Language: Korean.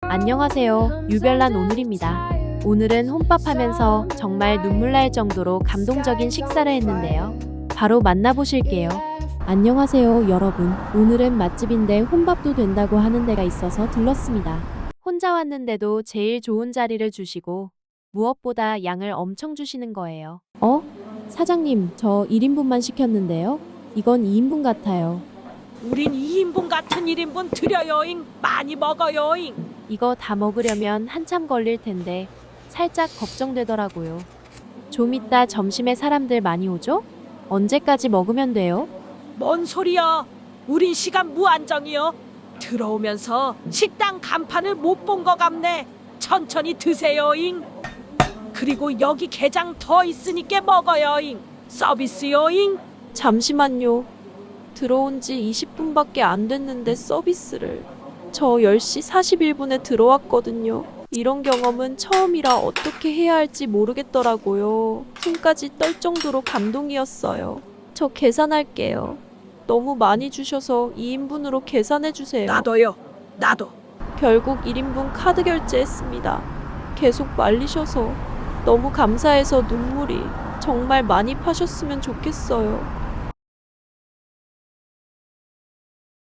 안녕하세요. 유별난 오늘입니다. 오늘은 혼밥하면서 정말 눈물 날 정도로 감동적인 식사를 했는데요. 바로 만나보실게요. 안녕하세요, 여러분. 오늘은 맛집인데 혼밥도 된다고 하는 데가 있어서 들렀습니다. 혼자 왔는데도 제일 좋은 자리를 주시고 무엇보다 양을 엄청 주시는 거예요. 사장님, 저 1인분만 시켰는데요. 이건 2인분 같아요. 우린 2인분 같은 1인분 드려요잉. 많이 먹어요잉. 이거 다 먹으려면 한참 걸릴 텐데 살짝 걱정되더라고요. 좀 이따 점심에 사람들 많이 오죠? 언제까지 먹으면 돼요? 뭔 소리야. 우린 시간 무한정이요. 들어오면서 식당 간판을 못 본 거 같네. 천천히 드세요잉. 그리고 여기 게장 더 있으니까 먹어요잉. 서비스요잉. 잠시만요. 들어온 지 20분밖에 안 됐는데 서비스를. 저 10시 41분에 들어왔거든요. 이런 경험은 처음이라 어떻게 해야 할지 모르겠더라고요. 손까지 떨 정도로 감동이었어요. 저 계산할게요. 너무 많이 주셔서 2인분으로 계산해주세요. 나도요. 나도. 결국 1인분 카드 결제했습니다. 계속 말리셔서 너무 감사해서 눈물이. 정말 많이 파셨으면 좋겠어요.